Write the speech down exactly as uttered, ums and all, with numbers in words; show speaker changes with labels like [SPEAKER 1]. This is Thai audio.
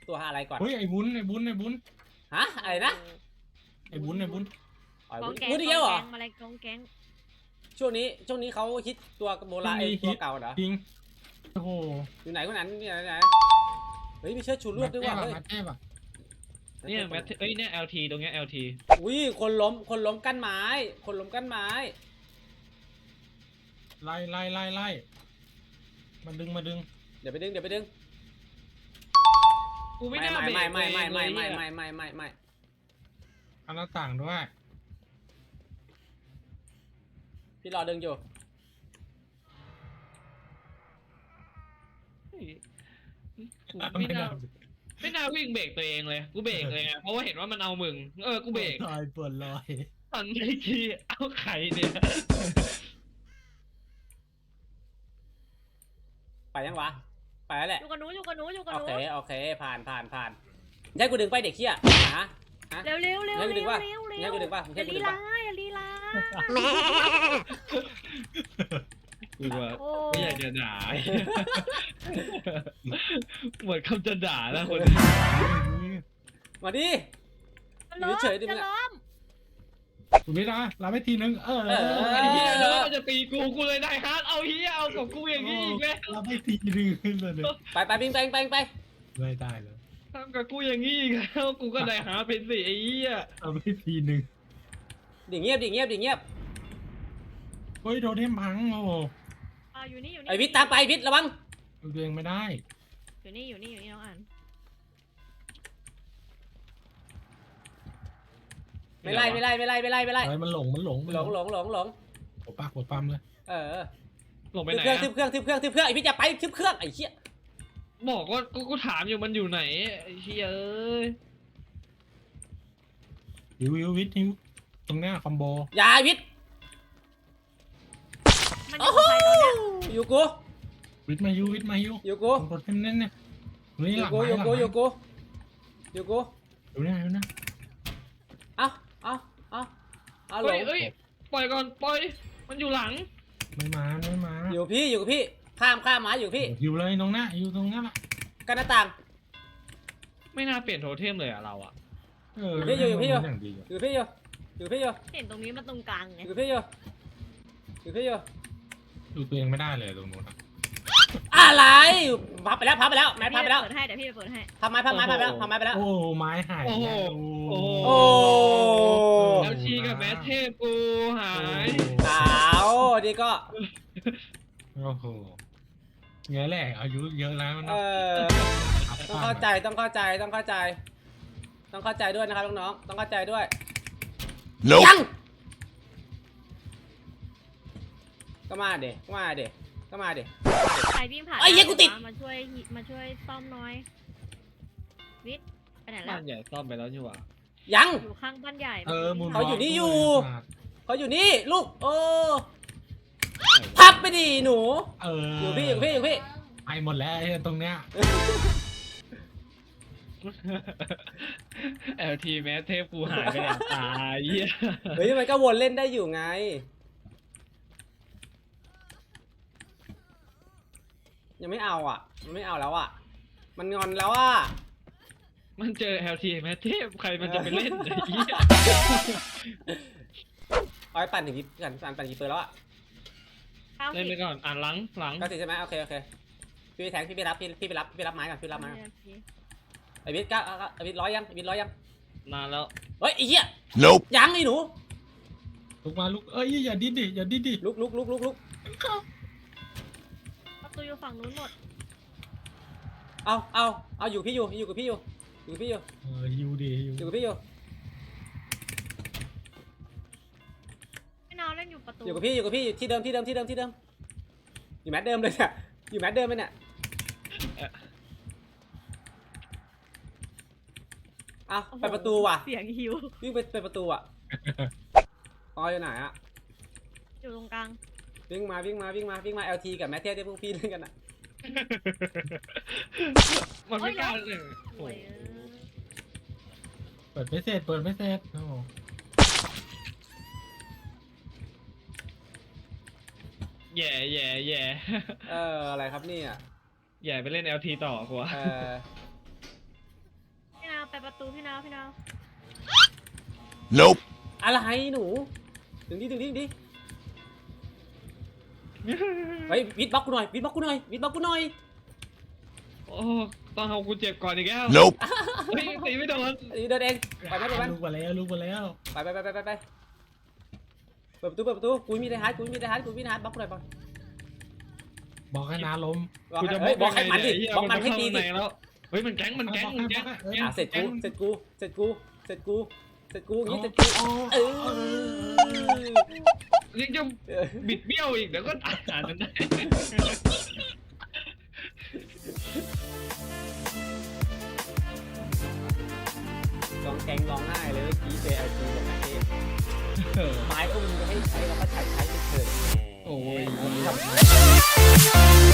[SPEAKER 1] ตัวอะไรก่อน
[SPEAKER 2] เฮ้ยไอ้บุญไอ้บุญไอ้บุญ
[SPEAKER 1] ฮะอะไรนะ
[SPEAKER 2] ไอ้บุญไอ้บุญ
[SPEAKER 1] อ๋อ
[SPEAKER 3] กองแก๊ง
[SPEAKER 1] วุ้นอีกแล้วเหรอ
[SPEAKER 3] อะไรกองแก๊ง
[SPEAKER 1] ช่วงนี้ช่วงนี้เขาฮิตตัวโบราณไอ้ตัวเก่าเหรอ
[SPEAKER 2] จริงโอ้โห
[SPEAKER 1] อยู่ไหนคนนั้นอยู่ไหนไหนเฮ้ยมีเชือกชูรวดด้วยว่ะเฮ้ย
[SPEAKER 2] มาเทพอ่ะ
[SPEAKER 4] เนี่ยแมทเอ้ยเนี่ย แอล ที ตรงเนี้ย แอล ที
[SPEAKER 1] อุ้ยคนล้มคนล้มกั้นไม้ คนล้มกั้นไม้
[SPEAKER 2] ไล่ไล่ไล่ไล่มาดึงมาดึง
[SPEAKER 1] เดี๋ยวไปดึงเดี๋ยวไปดึง
[SPEAKER 4] กูไม่
[SPEAKER 1] ไม่
[SPEAKER 4] น่า
[SPEAKER 1] ไม่
[SPEAKER 4] เบร
[SPEAKER 1] ไม่
[SPEAKER 4] ก
[SPEAKER 1] ไม่ไม่ไม่
[SPEAKER 4] เลย
[SPEAKER 1] ไม่
[SPEAKER 4] เนี่ย
[SPEAKER 1] ไม่ไม่ไม่ไม่
[SPEAKER 2] เอาหน้าต่างด้วย
[SPEAKER 1] พี่รอดึงอยู่
[SPEAKER 4] ไม่น่าไม่น่าวิ่งเบรกตัวเองเลย กูเบรกเลยไงเพราะว่าเห็นว่ามันเอามึง เออ กูเบรก
[SPEAKER 2] ลอยปวดลอย
[SPEAKER 4] ตอนนี้ทีเอาไข่เนี่ย
[SPEAKER 1] ไปยังวะไปแล้วแหละ
[SPEAKER 3] อยู่กับหนูอยู่กับหนูอยู่กับ
[SPEAKER 1] โอ
[SPEAKER 3] หนู
[SPEAKER 1] เคโอเคผ่านผ่านผ่านให้กูดึงไปเด็กเขี้ยฮะ
[SPEAKER 3] เร็วเร็วเร็ว
[SPEAKER 1] ให้กูดึ
[SPEAKER 3] เร็
[SPEAKER 1] ง
[SPEAKER 3] ว
[SPEAKER 1] ป่ะ
[SPEAKER 3] เร็วเร็ว
[SPEAKER 1] ให้กูดึงป่ะ
[SPEAKER 3] อ
[SPEAKER 1] ให้
[SPEAKER 3] ย่า
[SPEAKER 1] กู
[SPEAKER 3] ลี
[SPEAKER 1] ดึง
[SPEAKER 3] ลา
[SPEAKER 1] ป่ะ
[SPEAKER 3] อย่าลีลา
[SPEAKER 4] กูว่า
[SPEAKER 3] โอ้
[SPEAKER 4] ไม่อยากจะด่า เหมือนคำจะด่าแล้วคนนี้
[SPEAKER 1] มาดิ
[SPEAKER 3] จะล้ม
[SPEAKER 1] เฉยๆดิมึ
[SPEAKER 3] จะ
[SPEAKER 1] งอะ
[SPEAKER 3] ล้ม
[SPEAKER 2] คุณนิดนะลาไม่ทีนึงเออ
[SPEAKER 1] เออ
[SPEAKER 4] ไอ้เหี้ยแล้วมันจะตีกูกูเลยได้ฮาร์ดเอาเหี้ยเอากับกูอย่างนี้อีกแล้ว
[SPEAKER 2] ลาไม่ทีนึงเลยเนี่ย
[SPEAKER 1] ไปไปวิ่งไปไปไป
[SPEAKER 2] ไม่ได้เลย
[SPEAKER 4] ทำกับกูอย่างนี้อีกแล้วกูก็ได้ฮาร์ดเป็นสิไอ้เหี้ย
[SPEAKER 2] ลาไม่ทีนึง
[SPEAKER 1] ดิเงียบดิเงียบดิเงียบ
[SPEAKER 2] เฮ้ยโดนเทมพังโอ้โห
[SPEAKER 3] อ่าอยู่นี่อยู่นี่
[SPEAKER 1] ไอวิทย์ตามไปวิทย์ระวัง
[SPEAKER 2] ตัวเองไม่ได้
[SPEAKER 3] อยู่นี่อยู่นี่อยู่นี่น้องอ่าน
[SPEAKER 1] ไม่ไล่ไม่ไล่ไม่ไล่ไม่ไล่ไม่ไล่
[SPEAKER 2] อะไรมันหลงมันหลงมัน
[SPEAKER 1] หลงหลงหลงหลง
[SPEAKER 2] หัวปากหัวปั๊มเลย
[SPEAKER 1] เออ
[SPEAKER 4] ลงไป
[SPEAKER 1] ทึบ
[SPEAKER 4] ไหน
[SPEAKER 1] เครื่องทึ
[SPEAKER 4] อะ
[SPEAKER 1] บเครื่องทึบเครื่องทึบเครื่องไอวิทย์อย่าไปทึบเครื่องไอ้เหี้ย
[SPEAKER 4] บอกว่ากูกูถามอยู่มันอยู่ไหนไอ้เหี้ยเอ้ย
[SPEAKER 2] ฮิวฮิววิทฮิวตรงเนี้ยคอมโบ
[SPEAKER 1] อย่าไอวิทย์
[SPEAKER 3] มันอยู่กับใครตอนเนี้ย
[SPEAKER 1] อยู่กู
[SPEAKER 2] วิทมาฮิววิทมาฮิว
[SPEAKER 1] อยู่กู
[SPEAKER 2] ตรงรถเต็มเน้นเนี่ยนี่
[SPEAKER 1] อ
[SPEAKER 2] ห
[SPEAKER 1] ยู่
[SPEAKER 2] ลัง
[SPEAKER 1] กู
[SPEAKER 2] ไม้
[SPEAKER 1] อยู่
[SPEAKER 2] หลัง
[SPEAKER 1] กู
[SPEAKER 2] ไม้
[SPEAKER 1] อยู่กูอยู่กู
[SPEAKER 2] ดูเนี่ยดูเนี่ย
[SPEAKER 1] เอาเอาเอาเอาหล
[SPEAKER 4] เอ้ย
[SPEAKER 1] ง
[SPEAKER 4] เอ้ยปล่อยก่อนปล่อยมันอยู่หลัง
[SPEAKER 2] ไม่มาไม่มา
[SPEAKER 1] อยู่กับพี่อยู่กับพี่ข้ามข้ามมาอยู่กับพี่
[SPEAKER 2] ฮิวเลยตรงหน้าฮิวตรงหน้าละ
[SPEAKER 1] กันหน้าต่าง
[SPEAKER 4] ไม่น่าเปลี่ยนโทเทมเลยอะเราอะ
[SPEAKER 2] เออ
[SPEAKER 1] อยู่พี่อยู่
[SPEAKER 2] อย่างดีอะ
[SPEAKER 1] อยู่กับพี่อยู่อยู่กับพี่อยู่
[SPEAKER 3] เห็นตรงนี้มันตรงกลางไง
[SPEAKER 1] อยู่กับพี่อยู่อยู่กับพี่อยู่
[SPEAKER 2] ดูตัวเองไม่ได้เลยตรงนู้นอะ
[SPEAKER 1] อะไรพับไปแล้วพับไปแล้วไม้พับไปแล้ว
[SPEAKER 3] เปิดให้เดี๋ยวพี่ไปเปิดให้
[SPEAKER 1] พับไม้พับไม้พับไปแล้วพับไม้ไปแล้ว
[SPEAKER 2] โอ้ไม้หาย
[SPEAKER 4] โอ้โห
[SPEAKER 2] แล้ว
[SPEAKER 4] โอ้โห
[SPEAKER 1] โอ้
[SPEAKER 4] แล้วชีกับแมทเทพกูหาย
[SPEAKER 1] ขาวดีก็
[SPEAKER 2] โอ้โหเงี้ยแหละอายุเยอะแล้ว
[SPEAKER 1] เอ
[SPEAKER 2] นะ
[SPEAKER 1] อต้องเข้าใจต้องเข้าใจต้องเข้าใจ ต้องเข้าใจด้วยนะครับน้องๆต้องเข้าใจด้วยยังก็มาเด็กก็มาเด็กก็มาเด็ก
[SPEAKER 3] ใครวิ่งผ่าน
[SPEAKER 1] ไอ้เหี้ยกูติด
[SPEAKER 3] มาช่วยมาช่วยซ่อมหน้อยวิทย์ไปไหนแล้
[SPEAKER 4] บ้า
[SPEAKER 3] วน
[SPEAKER 4] ใหญ่ซ่อมไปแล้วนี่หว่า
[SPEAKER 1] ยัง
[SPEAKER 3] อยู่ข้างบ้านใหญ่
[SPEAKER 2] เออมูล
[SPEAKER 1] เขาอยู่นี่อยู่
[SPEAKER 2] วอล์ก
[SPEAKER 1] เขาอยู่นี่ลูกโอ้พับไปดิหนู
[SPEAKER 2] เออ
[SPEAKER 1] อ
[SPEAKER 2] อยู่
[SPEAKER 1] พี่อยู่พี่อยู่พี่
[SPEAKER 2] ไปหมดแล้วไอ้ตรงเนี้ย
[SPEAKER 4] แอล ที แมทเทพกูหายไปแล้วตายเหี้ย
[SPEAKER 1] เฮ้ยมันก็วนเล่นได้อยู่ไง ยังไม่เอาอ่ะ มันไม่เอาแล้วอ่ะ มันงอนแล้วอ่ะ
[SPEAKER 4] มันเจอ แอล ที แมทเทพใครมันจะไปเล่นไอ้เหี้ย
[SPEAKER 1] เอาไปปั่นถึงกี่ปั่นปั่นปั่นกี่เปอร์แล้วอ่ะ
[SPEAKER 3] เก้า
[SPEAKER 4] เล่น
[SPEAKER 3] สิ
[SPEAKER 4] ไป
[SPEAKER 3] บ
[SPEAKER 4] ก่อนอ่านหลังหลัง
[SPEAKER 1] เก้าสิบใช่ไหมโอเคโอเคพี่ไปแทงพี่ไปรับพี่พี่ไปรับพี่ไปรับไม้ก่อนพี่รับไม้ก่อนไอวิทย์ก้าไอวิทย์ร้อยยังไอวิทย์ร้อยยัง
[SPEAKER 4] นานแล้ว
[SPEAKER 1] เฮ้ยไอ้เหี้ย
[SPEAKER 5] Nope.
[SPEAKER 1] ยังไอ้หนู
[SPEAKER 2] ลุกมาลุกเอ้ยอย่าดิ้นดิอย่าดิ้นดิ
[SPEAKER 1] ลุกลุกลุกลุกลุก
[SPEAKER 3] ประตูอยู่ฝั่งนู้นหมด
[SPEAKER 1] เอาเอาเอาอยู่พี่อยู่อยู่กับพี่อยู่อยู่กับพี่อยู่
[SPEAKER 2] เออฮิวดิฮิว
[SPEAKER 1] อยู่กับพี่อยู่
[SPEAKER 3] พี่น้องเล่นอยู่ประตู
[SPEAKER 1] อยู่กับพี่อยู่กับพี่ที่เดิมที่เดิมที่เดิมที่เดิมอยู่แมทเดิมเลยเนี่ยอยู่แมทเดิมเลยเนี่ยเอาไปประตูว่ะ
[SPEAKER 3] เสียงหิว
[SPEAKER 1] วิ่งไปไปประตูอ่ะออยอยู่ไหนอ่ะ
[SPEAKER 3] อยู่ตรงกลาง
[SPEAKER 1] วิ่งมาวิ่งมาวิ่งมาวิ่งมา แอล ที กับแมทเทียที่พวกพี่เล่นกันอ่ะ
[SPEAKER 4] มันไม่กล้าเลย
[SPEAKER 3] โอ้ย
[SPEAKER 2] เปิดไม่เสร็จเปิดไม่เสร็จโอ้โห
[SPEAKER 4] แย่แย่แย่
[SPEAKER 1] เอออะไรครับเนี่ย
[SPEAKER 4] แย่ไปเล่น แอล ที ต่อกว่า
[SPEAKER 1] เออ
[SPEAKER 3] ประตูพี่นาวพี่นาว
[SPEAKER 5] Nope.
[SPEAKER 1] อะไรหนูถึงดิถึงดิถึงดิเฮ้ยวิดบล็อกกูหน่อยวิดบล็อกกูหน่อยวิดบล็อกกูหน่อย
[SPEAKER 4] โอ้ต้องเอากูเจ็บก่อนอีกแล้ว
[SPEAKER 5] Nope.
[SPEAKER 4] เฮ้ยตีไม่โดน
[SPEAKER 1] อันนี้เดินเองไปไหมไปไหม
[SPEAKER 2] ลูกมาแล้วลูกมาแล้ว
[SPEAKER 1] ไปไปไปไปไปไปเปิดประตูเปิดประตูกูมีไดฮาร์ดกูมีไดฮาร์ดกูมีไดฮาร์ดบล็อกกูหน่อยบอล
[SPEAKER 2] บอกให้นาล้ม
[SPEAKER 1] บล็อก
[SPEAKER 4] กู
[SPEAKER 1] ให้
[SPEAKER 4] จะ
[SPEAKER 1] เฮ้ยบล็อกให้มันดิ
[SPEAKER 4] เหี้ย
[SPEAKER 1] บล็อกมันให้ตี
[SPEAKER 4] เข้า
[SPEAKER 1] ดิ
[SPEAKER 4] ในแล้วเฮ้ยมันแก๊งมันแก๊งมันแก๊ง
[SPEAKER 1] อ่ะเสร็จกูเสร็จกูเสร็จกูเสร็จกูเสร็จกูอย่างงี้เสร็จ
[SPEAKER 2] อ๋
[SPEAKER 1] กู
[SPEAKER 2] อ
[SPEAKER 1] เออ
[SPEAKER 4] ยังจะ
[SPEAKER 1] เออ
[SPEAKER 4] บิดเบี้ยวอีกเดี๋ยวก็อ่านมันได้
[SPEAKER 1] ร้องแกงร้องไห้เลยเมื่อกี้เจไอจีบอกนะเจ๊
[SPEAKER 2] เออ
[SPEAKER 1] ไม้ก็มึงจะให้ใช้เราก็ใช้ใช้ไปเถอะ
[SPEAKER 2] โอ้ย
[SPEAKER 1] ทำ